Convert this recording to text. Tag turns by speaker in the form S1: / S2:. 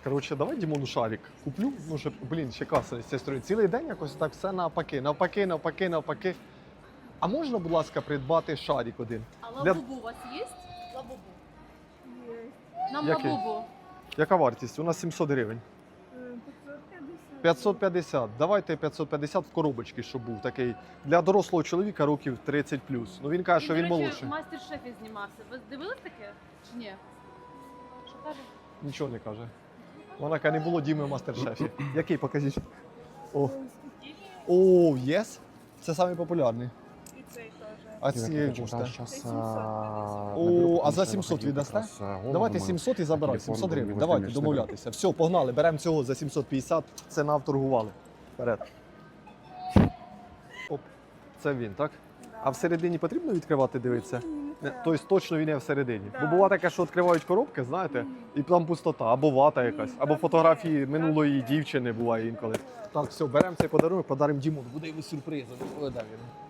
S1: Коротше, давай Дімону шарик куплю. Ну, щоб, блін, ще каса з цієї сторони. Цілий день якось так все навпаки. А можна, будь ласка, придбати шарик один?
S2: А
S1: Для-
S2: лабубу у вас є? Лабубу.
S3: Есть.
S2: Нам
S1: Який?
S2: лабубу.
S1: Яка вартість? У нас 700 гривень.
S3: 550.
S1: 550. Давайте 550 в коробочці, щоб був такий. Для дорослого чоловіка років 30+. Ну він каже, що він
S2: до речі,
S1: молодший.
S2: в мастер-шефі знімався. Ви дивились таке? Чи ні? Що каже?
S1: Нічого не каже. Вона каже, не було Діми в мастер-шефі. Який, покажіть. О, єс. Це самий популярний.
S3: И цей тоже.
S1: А ці коштує?
S3: Сейчас,
S1: О, а за 700 віддасте? Давайте 700 і забирай. 700 гривень. Давайте домовлятися. Все, погнали. Беремо цього за 750. Це нам торгували. Вперед. Оп. Це він, так? А всередині потрібно відкривати, дивитися? Тобто точно він є всередині. Бо
S3: Так.
S1: буває таке, що відкривають коробки, знаєте, і там пустота, або вата якась, або фотографії минулої дівчини буває інколи. Так, все, беремо цей подарунок, подаримо Дімону. Буде йому сюрпризом. Ой, де він?